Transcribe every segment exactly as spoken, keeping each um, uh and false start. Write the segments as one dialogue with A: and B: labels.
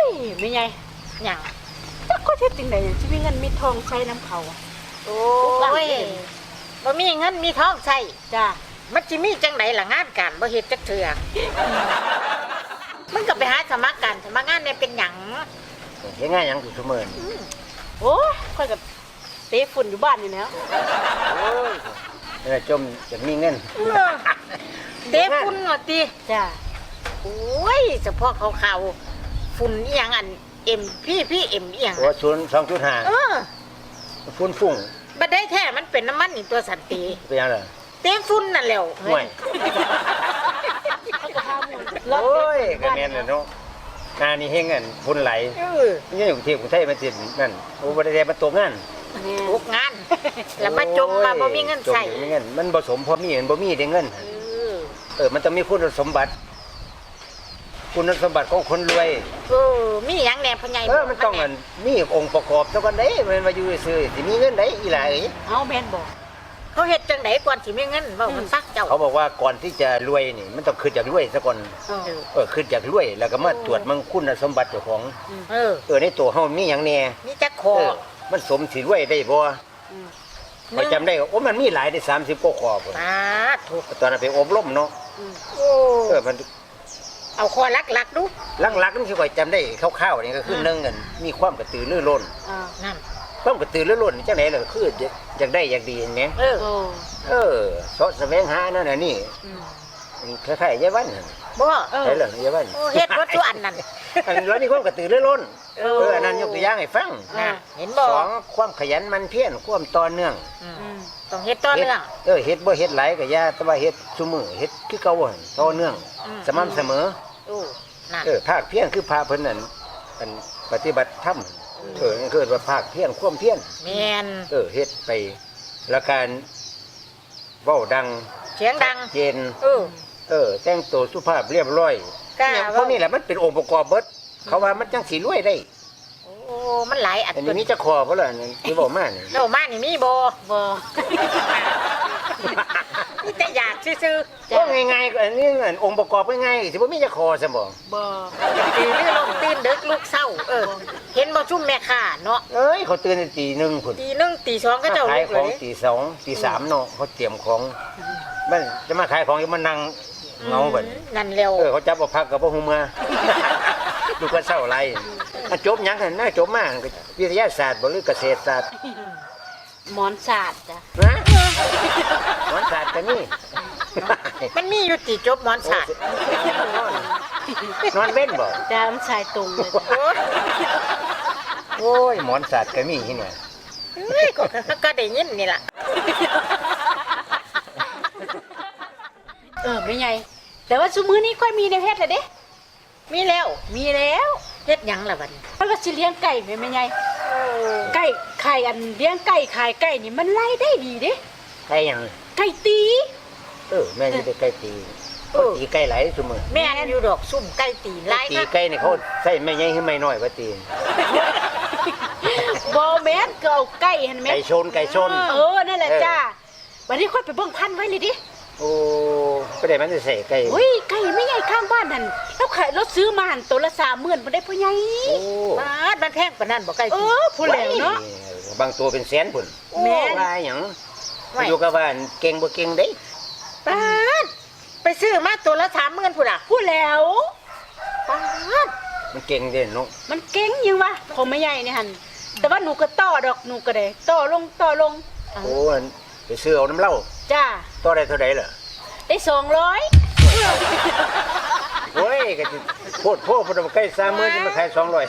A: ยไม่ไงหยังจักก็เฮ็ดจังได๋สิมีเงินมีทองใช้น้ำเขาโอ้ยบ่มีเงินมีทองใช้จ้ามันสิมีจังไดล่ะงานการบ่เฮ็ดจักเทื่อมันก็ไปหาสมัครกันสมัครงานเนี่ยเป็นหยัง
B: เฮ็ดงานหยังอยู่เสมอ
A: โอ้ยค่อยก็เตะฝุ่นอยู่บ้านนี่แล้ว
B: โอ้ยแล้วจมจะมีเงิน
A: เตะฝุ่นว่าติจ้าโอ้ยเฉพาะเขาๆฝุ่นอีหยังอัน เอ็ม พี พี เอ็ม อีหยัง
B: โอ้ศูนย์ สองจุดห้า
A: เออ
B: ฝุ่นฟุ้ง
A: บ่ได้แท้มันเป็นน้ำมันนี่ตัวสันติ
B: เป็นหยังล่ะ
A: เตะฝุ่นนั่นแหละ
B: ห่วยโอ้ยก็แม่นน่ะเนาะงานนี้เฮ็ดเงินฝุ่นไหลเออนี่อยู่ที่กรุงเทพมันสินั่นโอ้บ่ได้มาตกงาน
A: ตกงานแล้วมาจมมาบ่มีเงินใช้
B: มีเงินมันบ่สมพอมีมันบ่มีได้เงินเออเออมันต้องมีคุณสมบัติคุณสมบัติของคนรวย
A: เออมีหยังแหน่พ่อใหญ่
B: เออมันต้องอันมีองค์ประกอบซะก่อนเด้มันมาอยู่ซื่อสิมีเงินได้อีหล่าเอ้ย
A: เฮาแม่นบ่เขาเฮ็ดจังได๋ก่อนสิมีเงินเว้ามันซักเจ้า
B: เขาบอกว่าก่อนที่จะรวยนี่มันต้องขึ้นจากรวยซะก่อนเออขึ้นจากรวยแล้วก็มาตรวจมันคุณสมบัติเจ้าของเออเออในตัวเฮามีหยังแน่
A: มีจักคอ
B: มันสมสิรวยได้บ่พอจำได้โอ้มันมีหลายได้สามสิบกว่าข้อพุ่น
A: สาธุ
B: ตอนนั้นไปอบรมเนาะโอ้เออมัน
A: เอาคอลักๆดู
B: ลักๆนี่สิค่อยจำได้คร่าวๆนี่ก็คือหนึ่งอันมีความกระตือรือร้น
A: อ่านั่น
B: ความกระตือรือร้นจังได๋ล่ะคืออยากได้อยากดีแหม
A: เออ
B: เออเสาะแสวงหานั่นน่ะนี่คล้ายๆยายวัน
A: บ่
B: เออเหรอยายวัน
A: โอ้เฮ็ดบ่ทุกอันนั่น
B: อันแล้วนี่ความกระตือรือร้นเอออันนั้นยกตัวอย่างให้ฟัง
A: นะเห็นบ่
B: สองความขยันหมั่นเพียรความต่อเนื่อง
A: ต้องเฮ็ดต่อเนื่อง
B: เออเฮ็ดบ่เฮ็ดหลายก็อย่าแต่ว่าเฮ็ดซุมื้อเฮ็ดคือเก่าหั่นต่อเนื่องสม่ำเสมอ
A: โอ้นั่น
B: เออภาคเพียรคือพาเพิ่นนั่นอันปฏิบัติธรรมเออเกิดว่าภาคเพียรความเพียร
A: แม่น
B: เออเฮ็ดไปแล้วการเว้าดัง
A: เสียงดัง
B: เจน
A: เออ
B: เออแต่งตัวสุภาพเรียบร้อยเนี่ยพวกนี้แหละมันเป็นองค์ประกอบเบิดเขาว่ามันจังสิรวยได้
A: โอ้มันหลายอัน
B: อันนี้จะคอบ่ล่ะนี่ที่เว้ามานี่
A: เว้ามานี่มีบ่บ่นี่แต่อยากซื่อ
B: ๆก็ง่ายๆก็อันนี้อันองค์ประกอบง่ายๆสิบ่มีจะคอซะบ่
A: บ่ตื่นหรือลงตื่นดึกลุกเช้าเออเห็นบ่ซุ่มแม่ค้าเนาะ
B: เอ้ยเขาตื่นตีหนึ่งพุ่น
A: ตีหนึ่งตีสองก็เจ้าลุกเลย
B: ขายของตีสองตีสามเนาะเขาเตรียมของมันจะมาขายของอยู่มานั่งเงาบัด
A: นั่นแล้ว
B: เออเขาจับบ่พักก็บ่ฮู้เมื่อดูก็เศร้าไรจบหยังหั่นน่าจบมาวิทยาศาสตร์บ่หรือเกษตรศาสตร์
A: หมอนศาสตร์จ้ะ
B: นะหมอนศาสตร์ก็มี
A: มันมีอยู่ติจบหมอนศาสตร์
B: นอนเว้นบ่
A: จ้ามันชายตรงเลย
B: โอ้ยหมอนศาสตร์ก็มีที่เนี่ย
A: เฮ้ยก็ก็ได้ยินนี่ล่ะเออไม่ไงแต่ว่าซุมื้อนี้ค่อยมีแนวเฮ็ดแล้วเด้มีแล้วมีแล้วเฮ็ดหยังล่ะบัดนี้มันก็สิเลี้ยงไก่แม่แม่ใหญ่ไก่ไข่อันเลี้ยงไก่ขายไก่นี่มันรายได้ดีเด้
B: ไก่หยัง
A: ไก่ตี
B: เออแม่นี่ได้ไก่ตีเออตีไก่หลายซุมื้อ
A: แม่นอยู่ดอกซุ่มไก่ตีหลาย
B: ตีไก่นี่เขาใส่แม่ใหญ่คือแม่น้อยว่าตี
A: บ่แม่นก็เอาไก่หั่นแม่
B: ไก่ชนไก่ชน
A: เออนั่นแหละจ้าบัดนี้ค่อยไปเบิ่งพันไว้เลยดิ
B: โอ้ก็ได้มันจะใส่ไก่
A: อุ้ยไก่ไม่ใหญ่ข้างบ้านนั่นแล้วขายรถซื้อมาหันตัวละสามหมื่นบ่ได้พ่อใหญ่บาทมันแพงปานนั้นบ่ไก่เออผู้แล้วเนาะ
B: บางตัวเป็นแสนพุ่น
A: แม่
B: ว่าหยังอยู่กับว่าเก่งบ่เก่งเด้
A: บาทไปซื้อมาตัวละสามหมื่นพุ่นน่ะผู้แล้วบาท
B: มันเก่งเด้เนาะ
A: มันเก่งยังวะของแม่ใหญ่นี่หั่นแต่ว่าหนูก็ต่อดอกหนูก็ได้ต่อลงต่อลง
B: โอ้ไปซื้อเอาน้ำเหล้า
A: จ้า
B: ต่อได้เท่าใดล่ะ
A: ได้สองร้อย
B: โอ้ยก็โพดโพดพุ่นใกล้สามหมื่นจะมาขายสองร้อย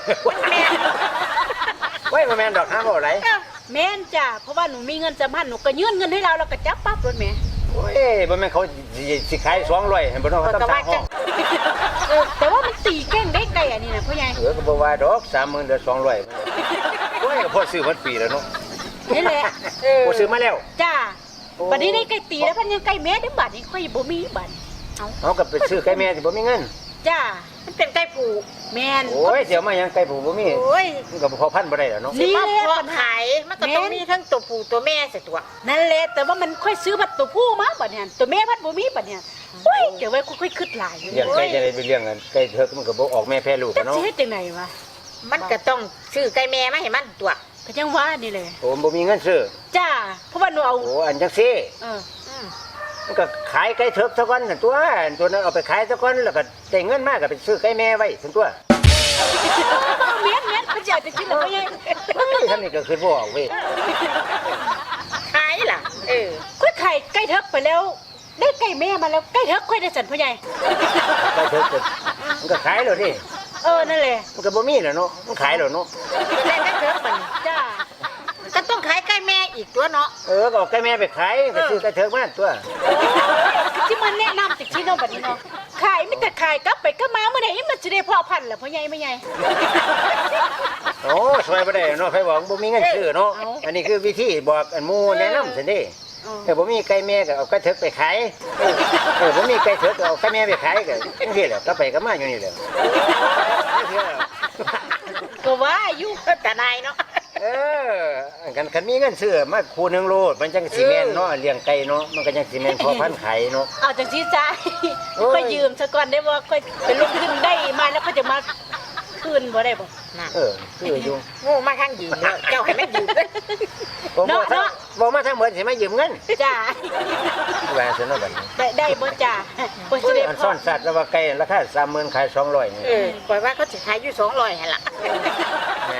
B: ไว้บ่แม่นดอกหาบ่ไหล
A: แม่นจ้าเพราะว่าหนูมีเงินจำพันหนูก็ยื่นเงินให้เราเราก็จับปั๊บรถแม่
B: โอ้ยบ่แม่นเขาสิขายสองร้อยให้บ่ต้องต้องทางห้อง
A: แต่ว่ามันตีเก่งได้ไกลอันนี้นะพ่อใหญ่
B: เออก็บ่ว่าดอกสามหมื่นเหลือสองร้อยโอ้ยก็พอซื้อมันปีแล้วเนาะ
A: นี่แหละเออ
B: บ่ซื้อมาแล้ว
A: จ้าบัดนี้ได้ไก่ตีแล้วพันยังไก่แม่ได้บัดนี้ค่อยบ่มีบัด
B: เอาเอาก็ไปซื้อไก่แม่สิบ่มีเงิน
A: จ้ามันเป็นไก่ผูแม่น
B: โอ้ยเดี๋ยวมายังไก่ผูบ่มีโอ้ยมันก็พอพันบ่ได้แล้วเนาะ
A: นี่แหละปัญหามันก็ต้องมีทั้งตัวผู้ตัวแม่สิตัวนั่นแหละแต่ว่ามันค่อยซื้อบัดตัวผู้มาบัดนี้ตัวแม่พัดบ่มีบัดนี้โอ้ยเดี๋ยวไว้ค่อยๆคิดหลาย
B: เลี้ยงไก่จะได้ไปเลี้ยงกันไก่เถิกมันก็บ่ออกแม่แพ้ลูกเนาะ
A: จะเฮ็ดจังได๋วะ
C: มันก็ต้องซื้อไก่แม่มาให้มันตัว
A: ก็ยังว่านี่เลย
B: โอ้บ่มีเงินซื้อ
A: จ้าเพราะว่าหนูเอา
B: โอ้อันจังซี่
A: เออ
C: อืม
B: มันก็ขายไก่เถิกซะก่อนนั่นตัวอันตัวนั้นเอาไปขายซะก่อนแล้วก็ได้เงินมาก็ไปซื้อไก่แม่ไว้ซั่นตัว
A: เมียนเมียนเขาจะเอาจะกินหรือไม่ยัง
B: เฮ้ยทำนี่ก็คือบ่ออกเว้ย
C: ขายล่ะเออ
A: ค่อยไข่ไก่เทิกไปแล้ว ได้ไก่แม่มาแล้วไก่เทิกค่อยได้สันพ่อใหญ่
B: ไก่เถิกก็มันก็ขายแล้วดิ
A: เออนั่นแหละ
B: มันก็บ่มีแล้วเนาะมันขายแล้วเนาะ
C: จะได้ได้เถิกมัน
A: จ้า
C: ก็ต้องขายไก่แม่อีกตัวเนาะ
B: เออก็เอาไก่แม่ไปขายก็ซื้อไก่เถิกมาตัว
A: ที่มันแนะนำจากที่น้องแบบนี้เนาะขายไม่แต่ขายกลับไปก็มาเมื่อไหร่มันจะได้พ่อพันธุ์แหละพ่อใหญ่ไม่ใหญ่
B: โอ้ช่วยบ่ได้เนาะใครบอกบ่มีเงินซื้อเนาะอันนี้คือวิธีบอกอันหมู่แนะนำซั่นเด้แต่บ่มีไก่แม่ก็เอาไก่เถิกไปขายเออเออบ่มีไก่เถิกก็เอาไก่แม่ไปขายก็จังซี่แหละก็ไปก็มาอยู่นี่แหละ
A: ก็ว่าอยู่
C: แต่นายเนาะ
B: เอออันกันคันมีเงินซื้อมาคู่หนึงโลดมันจังสิแม่นเนาะเลี้ยงไก่เนาะมันก็จังสิแม่นพอพันธุ์ไข่เนาะ
A: เอาจากที่จ่าย
B: โอ้ย
A: ค่อยยืมซะก่อนได้บ่ค่อยเป็นลงทุนได้มาแล้วก็จะมาคืนบ่ได้บ่
C: น่ะ
B: เออคืออยู่
C: งูมาข้างยืมเนาะเจ้าให้มันยืมเด้อ
B: บ่บ่ทั้งบ่มาทั้งหมดสิมายืมเงิน
A: จ้า
B: ว่าซั่นเนาะบัดนี้
A: ได้ได้บ่จ้าบ่สิได้
B: อัน
A: พ
B: ซ่
A: อ
B: อนสัตว์แล้วว่าไก่ราคา สามหมื่น ขายสองร้อยนี่
C: เออปล่อยว่าเขาสิขายอยู่สองร้อยหั่นล่ะ
B: ไง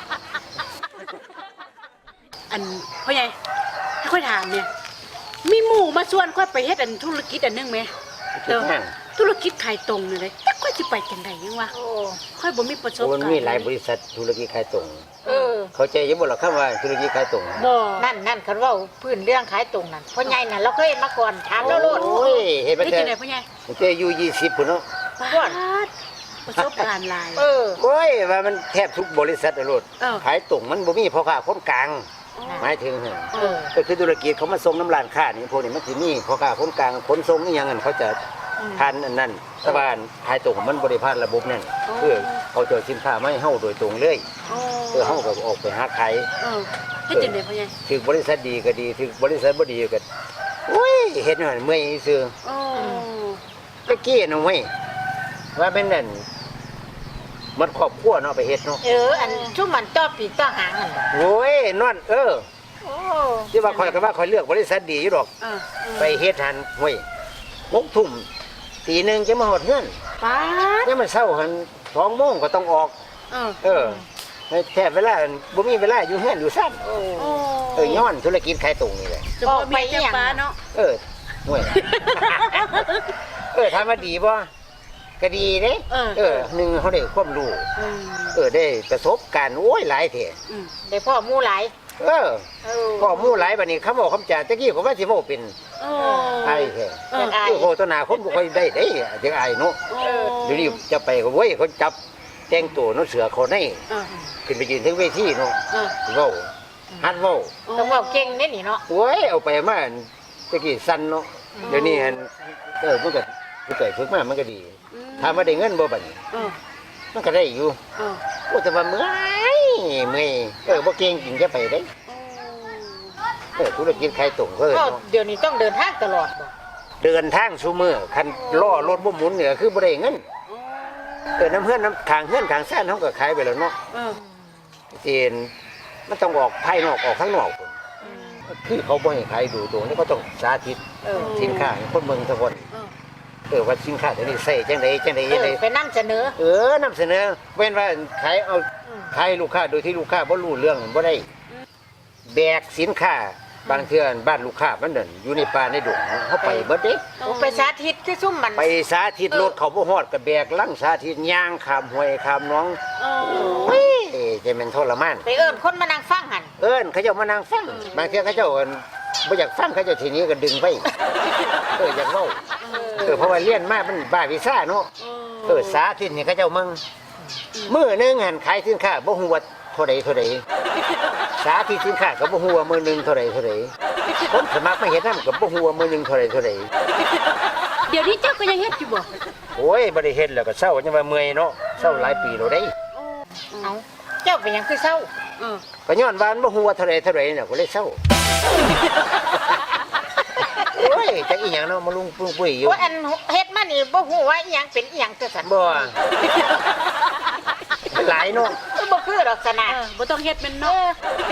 A: อันพ่อใหญ่ให้ค่อยถามเนี่ย มีหมู่มาชวนค่อยไปเฮ็ดอันธุรกิจอันนึงไหม
B: คิดนั่น
A: ธุรกิจขายตรงนี่เลยแต่ค่อยสิไปจังไดยังวะ
C: โอ้
A: ค่อยบ่มีประสบ
B: โอ้
A: การณ์
B: มันมีหลายบริษัทธุรกิจขายตรง
C: เออ
B: เข้าใจอยู่บ่ล่ะคำว่าธุรกิจขายตรง
A: บ่
C: นั่นนั่นเขาเว้าพื้นเรื่องขายตรงนั่นพ่อใหญ่น่ะเราเคยเห็นมาก่อนถามแล้วโลด
B: โอ้ยเฮ็ดไป
A: ได้
B: แต่
A: จังไดพ่อใหญ่
B: มันจะอายุยี่สิบพุ่นเนาะ
A: ปาดประสบการณ์หลาย
C: เออ
B: โอ้ยว่ามันแทบทุกบริษัทอะโลด
A: เออ
B: ขายตรงมันบ่มีพ่อค้าคนกลางหมายถึงหั่น
A: เออ
B: ก็คือธุรกิจเขามาส่งน้ำร้านค้านี่พวกนี้มันสิมีพ่อค้าคนกลางขนส่งนี่ยังนั้นเขาจะผ่านอันนั้นแต่ว่าขายตรงมันบ่ได้ผ่านระบบนั่นคือเขาจะเอาสินค้ามาให้เฮาโดยตรงเลย
A: โอ้
B: เออเฮาก็ออกไปหาขาย
A: เออเฮ็ดจังไดพ่อใหญ่
B: ถึงบริษัทดีก็ดีถึงบริษัทบ่ดีก็โอ้ยเฮ็ดนั่นเมื่อยซื่อ
A: โอ้
B: ตะกี้น่ะเว้ยว่าเป็นนั่นมันครอบครัวเนาะไปเฮ็ดเนาะ
C: เออ อันชุ่มมันต่อปีกต่อหางนั่นบ่
B: โอ้ยนอนเออ
C: โอ้
B: ที่ว่าข่อยก็ว่าข่อยเลือกบริษัทดีอยู่ดอก
A: เออ
B: ไปเฮ็ดหันเว้ยหกทุ่มตีหนึงจะมาหดเงิน
A: ปาด
B: ยังมันเช้าหันสองโมงก็ต้องออก
A: เออ
B: เออแค่เวลาบ่มีเวลาอยู่เฮือนอยู่ซ่าน
C: โอ้
A: โอ้
B: เออย้อนธุรกิจขายตรงนี่แหละ
A: จะบ่มีจังปาเนาะ
B: เออห่วย เออถามว่าดีบ่ก็ดีเด้
A: เออ
B: เออหนึ่งเขาได้ความรู้
A: อืม
B: เออได้ประสบการณ์โอ้ยหลายเถอะ
A: อืม
C: ได้พ่อหมู่หลาย
B: เออ
C: เออ
B: พ่อหมู่หลายบัดนี้คำบอกคำจาตะกี้ก็ว่าสิเว้าเป็น
A: โอ้
B: ไอ้แท้
A: เออ
B: คือโฆษณาคนบ่ค่อยได้เด้จังอายเนาะ
A: โอ้
B: เดี๋ยวนี้จะไปก็เว้ยเขาจับแต่งตัวเนาะเสือเขาใน
A: เออ
B: ขึ้นไปยืนถึงเวทีเนาะ
A: เออ
B: เว้าฮัดเว้า
C: ต้องเว้าเก่งเด้นี่เนาะ
B: โอ้ยเอาไปมาตะกี้สั่นเนาะเดี๋ยวนี้หันเออมันก็ผู้ใหญ่ฝึกมามันก็ดีถามว่าได้เงินบ่บัดนี้
A: เออ
B: มันก็ได้อยู่
A: เออ
B: โอ้แต่ว่าเมื่อยเมื่อยเออบ่เก่งจริงจะไปได้เออธุรกิจขายตรงก็เออ
C: ก็
B: เนาะ
C: เดี๋ยวนี้ต้องเดินทางตลอดบ่
B: เดินทางซุมื้อคันล้อรถบ่หมุนเนี่ยคือบ่ได้เงินเออน้ำเฮือนน้ำทางเฮือนทางซ่านเฮาก็ขายไปแล้วเนาะ
A: เออ
B: จีนมันต้องออกภายนอกออกข้างนอกพุ่นคือเขาบ่ให้ขายดูตรงนี้ก็ต้องสาธิต
C: เออ
B: สินค้าให้คนเมืองทุกคน
A: เออ
B: เออว่าสินค้าตัวนี้ใส่จังไดจังได
C: เอ
B: จัง
C: อ
B: ได
C: ไปนำเสนอ
B: เออนำเสนอเว้นว่าขายเอาขายให้ลูกค้าโดยที่ลูกค้าบ่รู้เรื่องบ่ได้แบกสินค้าบางเทื่อบ้านลูกค้ามันนั่นอยู่ในป่าในดงเฮาไปเบิดเด้
C: โอ้ไปสาธิตคือซุ่มมัน
B: ไปสาธิตรถเขาบ่ฮอดก็แบกลังสาธิตย่างข้ามห้วยข้ามหนอง
A: เออ
B: โอ้ยจะแม่นทรมาน
C: ไปเอิ้นคนมานั่งฟังหั่น
B: เอิ้นเขาเจ้ามานั่งฟังบางเทื่อเขาเจ้าอั่นบ่อยากฟังเขาเจ้าทีนี้ก็ดึงไปเอออยากเว้าเออเพราะว่าเรียนมามันบ้าวิชาเนาะเออสาธิตนี่เขาเจ้ามึงมื้อหนึงหันขายสินค้าบ่ฮู้ว่าเท่าใดเท่าใดสาธิตสินค้าก็บ่ฮู้ว่ามื้อหนึงเท่าใดเท่าใดคนสมัครมาเฮ็ดนำก็บ่ฮู้ว่ามื้อหนึงเท่าใดเท่าใด
A: เดี๋ยวนี้เจ้าก็ยังเฮ็ดอยู่บ่
B: โอ้ยบ่ได้เฮ็ดแล้วก็เศร้าจังว่าเมื่อยเนาะเศร้าหลายปีแล้วเด้
C: เอ้าเจ้าเป็นหยังคือเศร้า
A: เออ
B: ก็ย้อนว่ามันบ่ฮู้ว่าเท่าใดเท่าใดน่ะก็เลยเศร้าโอ้ยจักอีหยังเนาะมาลุงปุ้งปุ้ยอยู่
C: ว่าอันเฮ็ดมานี่บ่ฮู้ว่าอีหยังเป็นอีหยังจังซั่น
B: บ่มันหลายเนาะ
C: เคือดอกสนะ
A: เออบ่ต้องเฮ็ดเป็น
C: เอ
A: เนาะ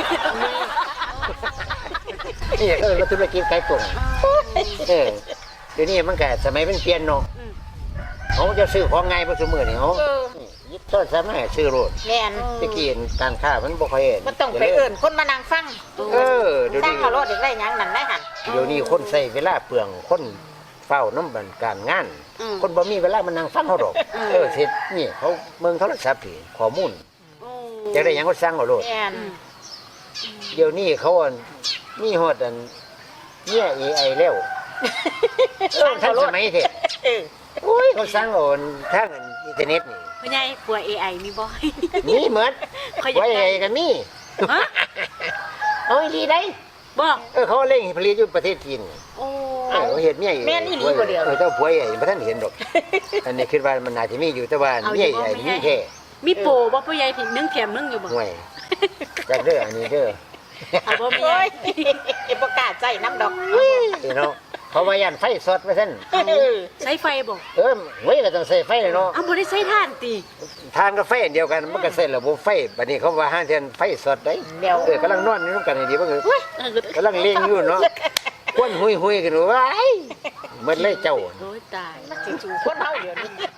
C: อ
B: นี่ก็เป็นธุรกิจไก่ตุ่งเออเดี๋ยวนี้มันก็สมัยมันเปลี่ยนเนาะ
A: อืม
B: เขาจะซื้อของไงบ่ซุมื้อนี่เขา
C: เออ
B: ยึดต้นสมัยซื้อโลด
C: แม่น
B: ตะกี้การค้ามันบ่ค่อยเห็น
C: มันต้องไปเอิ้นคนมานั่งฟัง
B: เออเดี๋ยว
C: สร้าง
B: นี้
C: เขารถอีกได้หยังนั่นได้หั่น
B: เดี๋ยวนี้คนใช้เวลาเปลืองคนเฝ้าน้ำบันการงาน
A: อืม
B: คนบ่มีเวลามานั่งฟังเขาดอกเออเสร็จนี่เขาเมืองโทรศัพท์พี่ข้อมูล
A: อืม
B: จะได้หยังก็สั่งเอาโลด
C: แม่น
B: เดี๋ยวนี้เขาอันมีฮอดอันเนี่ย เอ ไอ แล้วเออทันสมัยเถอะ
C: เออ
B: โอ้ยเขาสั่งเอาอันทางอันอินเทอร์เน็ตนี่
A: พ่อใหญ่กลัว เอ ไอ มีบ่
B: มีหมด
A: เขาอยาก
B: ไว้
A: ได้
B: ไอ้ก็มี
A: ฮะ
B: เอาอีหลีได้
A: บ่
B: เออเขาเล่งผลิตอยู่ประเทศจีน
A: โอ้
B: เออเขาเฮ็ดเมีย
C: แม่นอีหลีบ่เดียว
B: เออเจ้าผัวใหญ่บ่ทันเห็นดอก อันนี้คิดว่ามันน่าจะมีอยู่แต่ว่าเมียใหญ่มีแค่
A: มีโปรบ่พ่อใหญ่ที่นึ่งแถมนึ่งอยู่บ่
B: ห่วยจากเด้ออันนี้เด้อ
A: เอาบ่มี
C: โอ้
A: ใหญ่
C: ยเอ็บ่กล้าใจน้ำดอก
B: พี่น้องเขาว่ายันไฟสดว่าซั่น
C: เออ
A: ใช้ไฟบ่
B: เออเว้ยก็ต้องใส่ไฟเลยเนาะ
A: เอาบ่ได้ใช้ถ่านติ
B: ทานกับไฟอันเดียวกันมันก็ใส่ระบบไฟบัดนี้เขาว่าห้างเทียนไฟสดได้
C: เดี๋ยว
B: เออกำลังนอนอยู่นำกันนี่ดีบ่คือ
A: เออก
B: ำลังเลี้ยงอยู่เนาะควนหุยๆกันว่าไอ้หมดเลยเจ้า
A: โอ้ยตาย
C: มันสิจูคนเฮาเดี๋ยวนี้